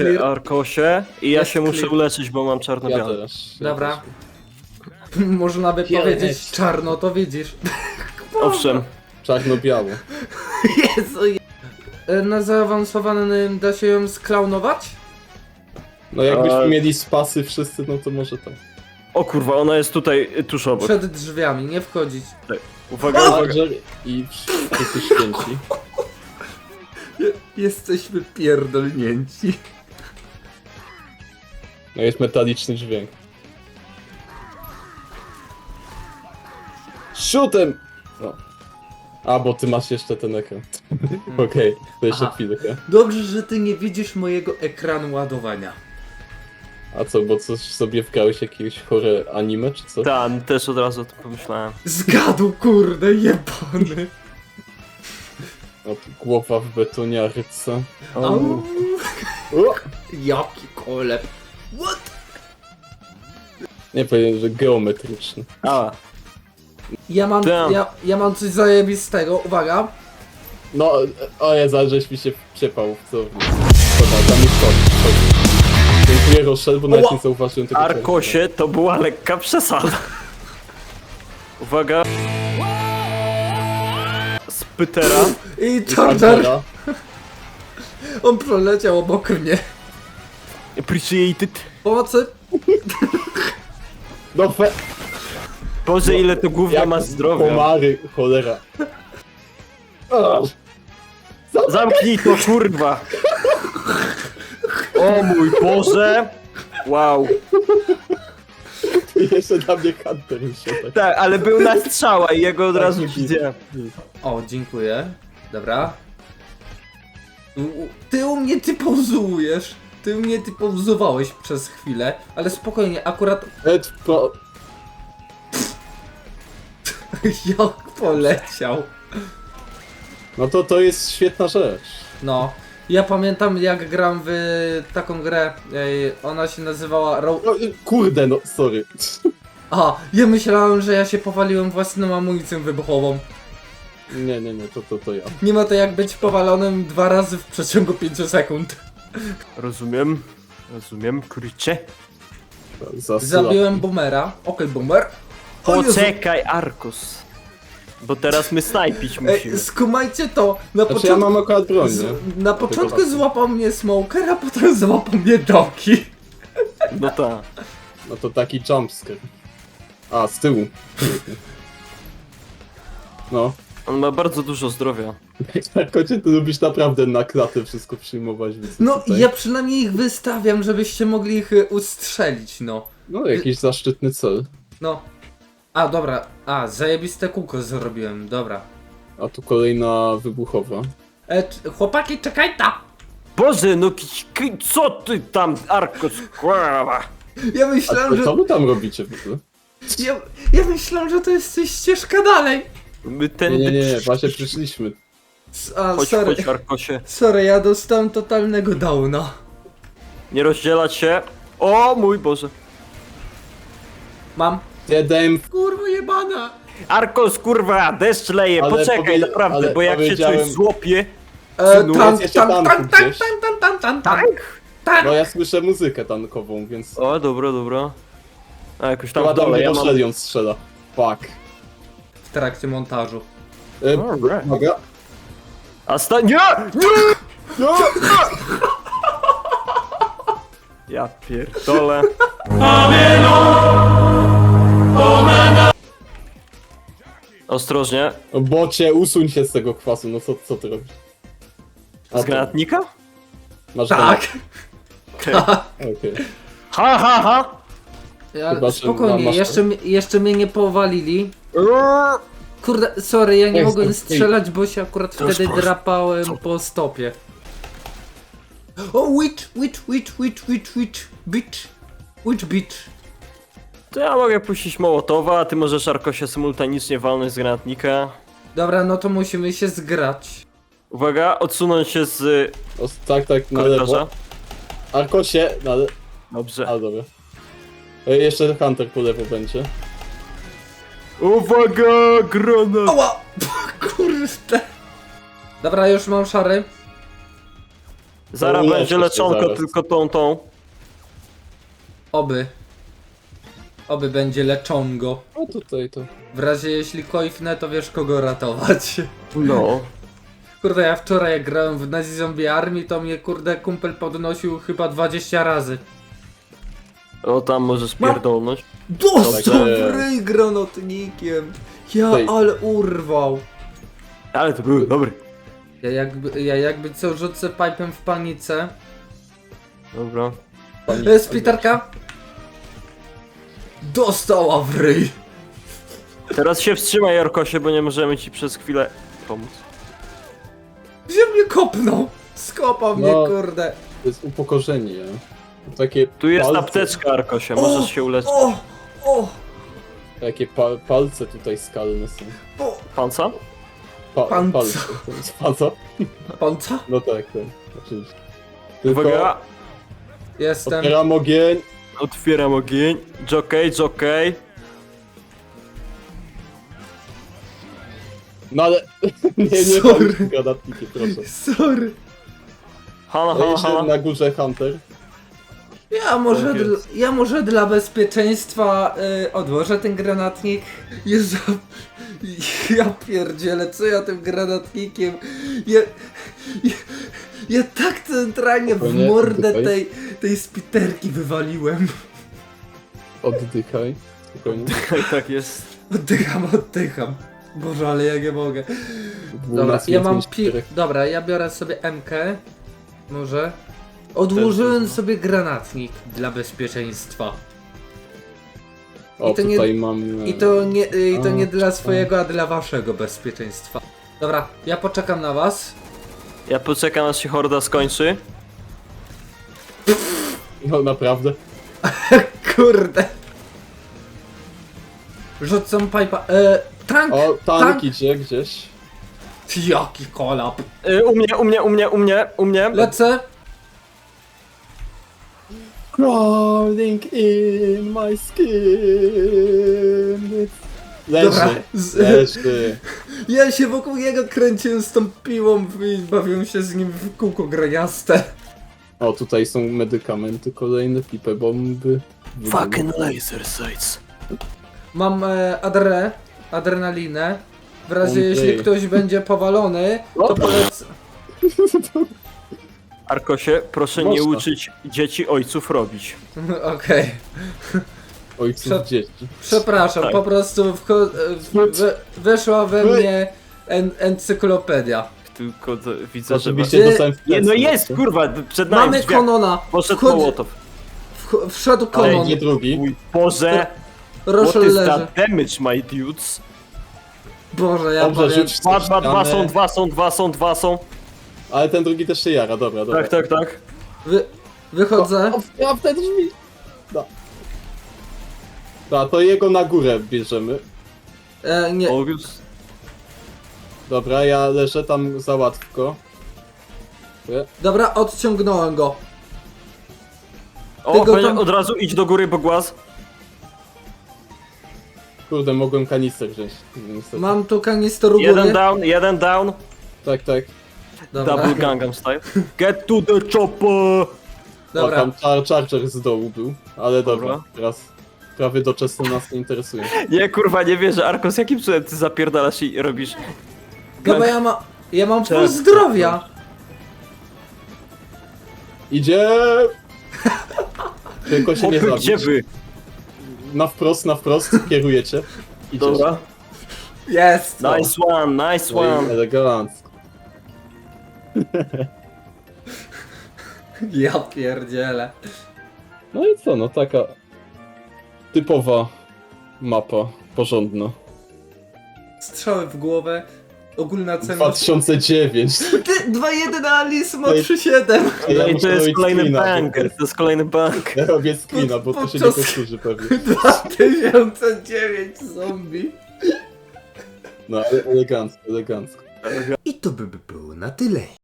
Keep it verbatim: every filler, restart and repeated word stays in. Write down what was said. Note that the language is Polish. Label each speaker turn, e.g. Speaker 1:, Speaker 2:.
Speaker 1: clear.
Speaker 2: Arkosie. I ja
Speaker 1: Jest
Speaker 2: się muszę
Speaker 1: clear.
Speaker 2: uleczyć, bo mam
Speaker 3: Ja
Speaker 2: czarno-białe.
Speaker 3: też. Ja
Speaker 1: Dobra.
Speaker 3: też.
Speaker 1: Można by
Speaker 3: Pięć.
Speaker 1: powiedzieć czarno, to widzisz.
Speaker 2: Owszem.
Speaker 3: Czarno-biało.
Speaker 1: Jezu. je- E, Na zaawansowanym da się ją sklaunować?
Speaker 3: No jakbyśmy
Speaker 2: A-
Speaker 3: mieli spasy wszyscy, no to może tak.
Speaker 2: O kurwa, ona jest tutaj y, tuż obok.
Speaker 1: Przed drzwiami, nie wchodzić.
Speaker 2: Uwaga, uwaga.
Speaker 3: Roger i wszyscy święci.
Speaker 1: Jesteśmy pierdolnięci.
Speaker 3: No jest metaliczny dźwięk. Shootem! No. A, bo ty masz jeszcze ten ekran. Okej, to jeszcze
Speaker 1: Aha.
Speaker 3: chwilkę.
Speaker 1: Dobrze, że ty nie widzisz mojego ekranu ładowania.
Speaker 3: A co, bo coś sobie wgrałeś jakiegoś chore anime, czy co?
Speaker 2: Tam, też od razu o tym pomyślałem.
Speaker 1: Zgadł, kurde, jebany.
Speaker 3: O, głowa w betoniarce.
Speaker 1: Au.
Speaker 3: O!
Speaker 1: Jaki koleb. What?
Speaker 3: Nie powiem, że geometryczny.
Speaker 2: A,
Speaker 1: Ja mam,
Speaker 2: Damn.
Speaker 1: ja, ja mam coś zajebistego, uwaga.
Speaker 3: No, o ja żeś mi się wciepał w co. Dobra, tam jest to. Dziękuję Rochelle, bo nawet
Speaker 1: Ła.
Speaker 3: nie zauważyłem tego.
Speaker 2: Arkosie to była lekka przesada. Uwaga. Spytera.
Speaker 1: I
Speaker 3: I
Speaker 1: Charger,
Speaker 3: Pantera.
Speaker 1: on proleciał obok mnie.
Speaker 2: Appreciated.
Speaker 1: Pomocy.
Speaker 3: No fe...
Speaker 2: Boże, ile to gówno
Speaker 3: Jak
Speaker 2: ma zdrowia.
Speaker 3: Komary, cholera. O,
Speaker 2: Zamknij to, kurwa. O mój Boże. Wow.
Speaker 3: jeszcze na mnie Hunter się tak.
Speaker 2: Tak, ale był na strzała i jego od razu
Speaker 3: nie
Speaker 2: widziałem.
Speaker 1: O, dziękuję. Dobra. U- u- Ty u mnie ty pauzujesz. Ty u mnie ty pauzowałeś przez chwilę, ale spokojnie, akurat
Speaker 3: Ed pro...
Speaker 1: jak poleciał.
Speaker 3: No to to jest świetna rzecz.
Speaker 1: No. Ja pamiętam jak gram w taką grę, ej, ona się nazywała Ro...
Speaker 3: No, y, kurde, no, sorry.
Speaker 1: A, ja myślałem, że ja się powaliłem własną amunicją wybuchową.
Speaker 3: Nie, nie, nie, to, to, to ja.
Speaker 1: Nie ma to jak być powalonym dwa razy w przeciągu pięciu sekund.
Speaker 2: Rozumiem. Rozumiem, kurczę.
Speaker 3: Zasyła.
Speaker 1: Zabiłem boomera. Okej, boomer. O Jezu.
Speaker 2: Poczekaj, Arkus. Bo teraz my snajpić
Speaker 1: Ej,
Speaker 2: musimy.
Speaker 1: skumajcie to. Na
Speaker 3: Znaczy ja
Speaker 1: początku,
Speaker 3: mam akurat broń,
Speaker 1: z,
Speaker 3: nie?
Speaker 1: na początku
Speaker 3: warto.
Speaker 1: złapał mnie Smoker, a potem złapał mnie Doki.
Speaker 2: No tak.
Speaker 3: No to taki jumpscare. A, z tyłu. No.
Speaker 2: On ma bardzo dużo zdrowia.
Speaker 3: Kocie, ty lubisz naprawdę na klatę wszystko przyjmować, więc
Speaker 1: No
Speaker 3: tutaj...
Speaker 1: ja przynajmniej ich wystawiam, żebyście mogli ich y, ustrzelić, no.
Speaker 3: No, jakiś zaszczytny cel.
Speaker 1: No. A, dobra. A, zajebiste kółko zrobiłem, dobra.
Speaker 3: A tu kolejna wybuchowa.
Speaker 1: E, c- chłopaki, czekaj ta!
Speaker 2: Boże, no ki- ki- co ty tam, Arkus, kurwa?
Speaker 1: Ja
Speaker 3: A
Speaker 1: myślałem,
Speaker 3: co,
Speaker 1: że...
Speaker 3: co wy tam robicie w ogóle?
Speaker 1: Ja, ja myślałem, że to jest coś ścieżka dalej.
Speaker 2: My ten...
Speaker 3: Nie, nie, nie, nie, właśnie przyszliśmy.
Speaker 1: S- A,
Speaker 2: Chodź,
Speaker 1: sorry.
Speaker 2: chodź, Arkosie.
Speaker 1: Sorry, ja dostałem totalnego downa.
Speaker 2: Nie rozdzielać się. O mój Boże.
Speaker 1: Mam.
Speaker 3: Jeden
Speaker 1: Kurwa jebana!
Speaker 2: Arkos, kurwa, deszcz leje,
Speaker 3: Ale
Speaker 2: poczekaj,
Speaker 3: powie-
Speaker 2: naprawdę,
Speaker 3: ale
Speaker 2: bo jak się
Speaker 3: powiedziałem-
Speaker 2: coś złopie...
Speaker 1: E,
Speaker 2: Synu,
Speaker 1: tank,
Speaker 3: jest jeszcze
Speaker 1: tank,
Speaker 3: tank
Speaker 1: tank, tank,
Speaker 3: gdzieś.
Speaker 1: tank, tank, tank, tank, tank,
Speaker 2: Tak?
Speaker 1: tank.
Speaker 3: No ja słyszę muzykę tankową, więc...
Speaker 2: O, dobra, dobra. A jakoś tam
Speaker 3: Chyba
Speaker 2: w
Speaker 3: tam
Speaker 2: dole,
Speaker 3: ja
Speaker 2: ja mam...
Speaker 3: ją strzela. Fuck.
Speaker 1: W trakcie montażu.
Speaker 3: E,
Speaker 2: Alright.
Speaker 3: Uwaga.
Speaker 2: A sta... Nie!
Speaker 3: No!
Speaker 2: Ja pierdolę. Ostrożnie.
Speaker 3: O, bocie, usuń się z tego kwasu, no co, co ty robisz? A
Speaker 2: Z
Speaker 3: to-
Speaker 2: granatnika?
Speaker 3: Masz
Speaker 1: Tak!
Speaker 2: Okej.
Speaker 3: Okej.
Speaker 2: Ha, ha, ha!
Speaker 1: Ja,
Speaker 3: Chyba, że
Speaker 1: spokojnie,
Speaker 3: masz-
Speaker 1: jeszcze, mi- jeszcze mnie nie powalili. Kurde, sorry, ja nie
Speaker 3: Ej,
Speaker 1: mogłem
Speaker 3: ej.
Speaker 1: strzelać, bo się akurat wtedy
Speaker 2: proszę.
Speaker 1: drapałem po stopie. O, witch, witch, witch, witch, witch, witch, bitch, witch, bitch.
Speaker 2: To ja mogę puścić Mołotowa, a ty możesz Arkosia symultanicznie walnąć z granatnika.
Speaker 1: Dobra, no to musimy się zgrać.
Speaker 2: Uwaga, odsunąć się z
Speaker 3: O, tak, tak, na
Speaker 2: korytarza.
Speaker 3: lewo. Arkosie, na le...
Speaker 2: Dobrze.
Speaker 3: A, dobra. E, jeszcze Hunter po lewo będzie.
Speaker 2: Uwaga, granat!
Speaker 1: Ała! Kurde. Dobra, już mam szary.
Speaker 2: Zaraz
Speaker 3: uleczę
Speaker 2: będzie
Speaker 3: się
Speaker 2: leczonko,
Speaker 3: zaraz.
Speaker 2: tylko tą, tą.
Speaker 1: Oby. Oby będzie leczongo.
Speaker 3: No tutaj to.
Speaker 1: W razie jeśli koifnę, to wiesz kogo ratować.
Speaker 2: No.
Speaker 1: Kurde, ja wczoraj jak grałem w Nazi Zombie Army, to mnie kurde kumpel podnosił chyba dwadzieścia razy.
Speaker 2: O, tam możesz pierdolnąć.
Speaker 1: Dostał
Speaker 3: Także-
Speaker 1: w ryj granatnikiem. Ja
Speaker 3: Tej.
Speaker 1: ale urwał.
Speaker 2: Ale to był dobry.
Speaker 1: Ja jakby, ja jakby co rzucę pipem w panice.
Speaker 2: Dobra.
Speaker 1: E, Splitarka. Dostała w ryj.
Speaker 2: Teraz się wstrzymaj, Jarkosie, bo nie możemy ci przez chwilę pomóc.
Speaker 1: Gdzie mnie kopnął? Skopał mnie,
Speaker 3: No.
Speaker 1: kurde.
Speaker 3: To jest upokorzenie. Takie
Speaker 2: Tu jest
Speaker 3: palce,
Speaker 2: apteczka, Arkosie, możesz się uleczyć.
Speaker 1: O! O!
Speaker 3: Takie pa palce tutaj skalne są.
Speaker 1: O!
Speaker 2: Panca?
Speaker 3: Pa
Speaker 1: Palce.
Speaker 3: palce. To jest palca?
Speaker 1: Panca?
Speaker 3: No tak, tak. Oczywiście. Tylko
Speaker 2: Uwaga!
Speaker 1: Jestem.
Speaker 3: otwieram ogień.
Speaker 2: Otwieram ogień. Jokej, jokej.
Speaker 3: No ale nie, nie
Speaker 1: Sorry.
Speaker 3: palić granatniki, proszę.
Speaker 1: Sorry.
Speaker 2: Hana,
Speaker 3: A
Speaker 2: hana,
Speaker 3: jeszcze
Speaker 2: hana.
Speaker 3: na górze Hunter.
Speaker 1: Ja może,
Speaker 2: Tak
Speaker 1: dl,
Speaker 2: jest.
Speaker 1: ja może dla bezpieczeństwa y, odłożę ten granatnik. Jezu, ja pierdzielę, co ja tym granatnikiem... Ja, ja, ja tak centralnie w
Speaker 3: Spokojnie,
Speaker 1: mordę
Speaker 3: oddychaj.
Speaker 1: tej, tej spiterki wywaliłem.
Speaker 3: Oddychaj. Spokojnie.
Speaker 2: Tak jest.
Speaker 1: Oddycham, oddycham. Boże, ale ja nie mogę. Dobra,
Speaker 3: dwunastu
Speaker 1: ja mam
Speaker 3: pięć,
Speaker 1: pi...
Speaker 3: cztery.
Speaker 1: Dobra, ja biorę sobie M K. Może. Odłożyłem sobie granatnik dla bezpieczeństwa.
Speaker 3: O,
Speaker 1: I to nie-
Speaker 3: tutaj mam...
Speaker 1: I to nie, i to
Speaker 3: A,
Speaker 1: nie dla
Speaker 3: a.
Speaker 1: swojego, a dla waszego bezpieczeństwa. Dobra, ja poczekam na was.
Speaker 2: Ja poczekam, aż się horda skończy.
Speaker 3: No naprawdę.
Speaker 1: Kurde. Rzucam pipa. E, tank!
Speaker 3: O, tank
Speaker 1: tank!
Speaker 3: idzie gdzieś.
Speaker 1: Jaki kolap.
Speaker 2: Y, u mnie, u mnie, u mnie, u mnie, u mnie.
Speaker 1: Lecę.
Speaker 3: Crawling in my skin.
Speaker 1: Dobra.
Speaker 3: Leży,
Speaker 1: Z,
Speaker 3: leży.
Speaker 1: ja się wokół niego kręciłem z tą piłą i bawiłem się z nim w kółko graniaste.
Speaker 3: O, tutaj są medykamenty, kolejne pipę bomby.
Speaker 2: Fucking laser sights.
Speaker 1: Mam e, adre, adrenalinę. W razie
Speaker 3: Okej.
Speaker 1: jeśli ktoś będzie powalony, to
Speaker 3: O!
Speaker 1: polecę.
Speaker 2: Arkosie, proszę nie
Speaker 3: Można.
Speaker 2: uczyć dzieci ojców robić.
Speaker 1: Okej.
Speaker 3: Ojców
Speaker 1: Prze-
Speaker 3: dzieci.
Speaker 1: Przepraszam,
Speaker 2: Tak.
Speaker 1: po prostu wcho- w- we- weszła we mnie en encyklopedja.
Speaker 2: Tylko to, widzę, że...
Speaker 3: Oczywiście
Speaker 1: Ty-
Speaker 3: dostałem w
Speaker 2: Nie, no
Speaker 3: plecy.
Speaker 2: jest, kurwa, przed nami
Speaker 1: Mamy
Speaker 2: drzwiach.
Speaker 1: Konona.
Speaker 2: Poszedł
Speaker 1: Wchodź-
Speaker 2: Mołotow.
Speaker 1: wch- Wszedł
Speaker 3: Ale
Speaker 1: Konon.
Speaker 3: nie drugi.
Speaker 2: Mój Boże, what
Speaker 1: Roszel
Speaker 2: is
Speaker 1: leży.
Speaker 2: that damage, my dudes?
Speaker 1: Boże, ja
Speaker 3: Dobrze,
Speaker 1: powiem.
Speaker 3: rzuć
Speaker 2: Dwa,
Speaker 3: coś
Speaker 2: dwa, dwa
Speaker 3: ścianę.
Speaker 2: są, dwa są, dwa są, dwa są.
Speaker 3: Ale ten drugi też się jara, dobra, dobra.
Speaker 2: Tak, tak, tak.
Speaker 1: Wy, wychodzę.
Speaker 3: O, ja w te drzwi. No. No, to jego na górę bierzemy.
Speaker 1: E, nie.
Speaker 2: August.
Speaker 3: Dobra, ja leżę tam załatw go.
Speaker 1: Dobra, odciągnąłem go.
Speaker 2: O,
Speaker 1: Tego
Speaker 2: będzie-
Speaker 1: tam-
Speaker 2: od razu idź do góry, bo głaz.
Speaker 3: Kurde, mogłem kanister wziąć. Niestety.
Speaker 1: Mam tu kanister u
Speaker 2: Jeden
Speaker 1: góry.
Speaker 2: down, jeden down.
Speaker 3: Tak, tak.
Speaker 1: Dobra.
Speaker 2: Double Gangnam Style. Get to the chopper!
Speaker 3: O,
Speaker 1: Dobra.
Speaker 3: tam char charger z dołu był. Ale dobra,
Speaker 2: Dobra.
Speaker 3: teraz prawie doczesne nas nie interesuje.
Speaker 2: Nie, kurwa, nie wierzę. Arkos, jakim cudem ty zapierdalasz i robisz...
Speaker 1: No bo ja, ma, ja mam pół
Speaker 2: Cześć.
Speaker 1: zdrowia.
Speaker 3: Idzie! Tylko się nie
Speaker 2: Hopy,
Speaker 3: zabić.
Speaker 2: gdzie wy?
Speaker 3: Na wprost, na wprost, kierujecie. Idziesz.
Speaker 2: Dobra.
Speaker 1: Jest. no.
Speaker 2: Nice one, nice
Speaker 3: No i
Speaker 2: one.
Speaker 3: elegancko.
Speaker 1: Ja pierdzielę.
Speaker 3: No i co, no taka typowa mapa, porządna.
Speaker 1: Strzały w głowę. Ogólna cena.
Speaker 3: dwa tysiące dziewięć.
Speaker 1: Ty, dwa jeden Alice ma
Speaker 3: To jest-
Speaker 1: trzy siedem.
Speaker 2: No i
Speaker 3: muszę
Speaker 2: to jest
Speaker 3: robić
Speaker 2: kolejny
Speaker 3: screena, bo-
Speaker 2: banger, to jest kolejny banger.
Speaker 3: Ja robię screena, bo to się nie
Speaker 1: Podczas-
Speaker 3: powtórzy pewnie.
Speaker 1: dwa tysiące dziewięć zombie.
Speaker 3: No ale elegancko, elegancko.
Speaker 1: I to by było na tyle.